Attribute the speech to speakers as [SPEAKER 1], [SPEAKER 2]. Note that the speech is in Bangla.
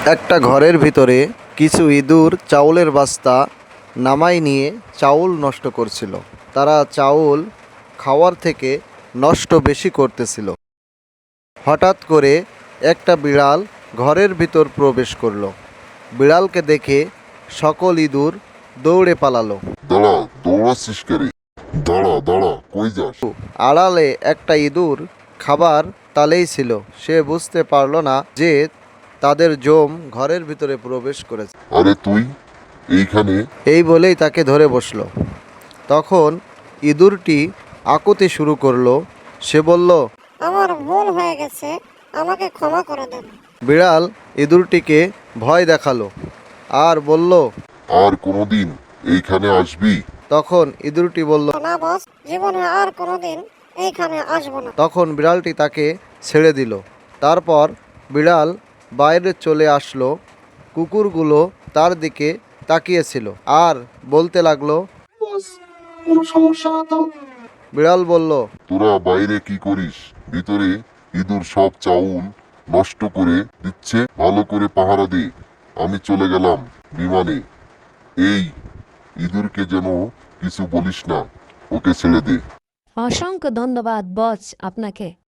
[SPEAKER 1] একটা ঘরের ভিতরে কিছু ইঁদুর চাউলের বস্তা নামায় নিয়ে চাউল নষ্ট করছিল। তারা চাউল খাওয়ার থেকে নষ্ট বেশি করতেছিল। হঠাৎ করে একটা বিড়াল ঘরের ভিতর প্রবেশ করলো। বিড়ালকে দেখে সকল ইঁদুর দৌড়ে পালালো।
[SPEAKER 2] দাঁড়া, দৌড়াচ্ছিস কেরে? দাঁড়া দাঁড়া, কই যাস?
[SPEAKER 1] আড়ালে একটা ইঁদুর খাবার তালেই ছিল। সে বুঝতে পারল না যে তাদের জম ঘরের ভিতরে প্রবেশ করেছে।
[SPEAKER 2] আরে তুই এইখানে?
[SPEAKER 1] এই বলেই তাকে ধরে বসলো। তখন ইঁদুরটি আকুতি শুরু করলো। সে বলল,
[SPEAKER 3] আমার ভুল হয়ে গেছে, আমাকে ক্ষমা করে দেন।
[SPEAKER 1] বিড়াল ইঁদুরটিকে ভয় দেখালো আর বলল,
[SPEAKER 2] আর কোনোদিন এইখানে আসবি?
[SPEAKER 1] তখন ইঁদুরটি বলল,
[SPEAKER 3] না বস, জীবনে আর কোনোদিন এইখানে আসবো না।
[SPEAKER 1] তখন বিড়ালটি তাকে ছেড়ে দিল। তারপর বিড়াল বাইরে চলে আসলো। কুকুরগুলো তার দিকে তাকিয়েছিল আর বলতে লাগলো।
[SPEAKER 4] কোনো সমস্যা না তো?
[SPEAKER 1] বিড়াল বলল,
[SPEAKER 2] তোরা বাইরে কি করিস? ভিতরে ইঁদুর সব চাউল নষ্ট করে দিচ্ছে। ভালো করে পাহারা দে। আমি চলে গেলাম বিমানে। এই ইঁদুরকে যেন কিছু বলিস না, ওকে ছেড়ে দে।
[SPEAKER 5] অসংখ্য ধন্যবাদ বস আপনাকে।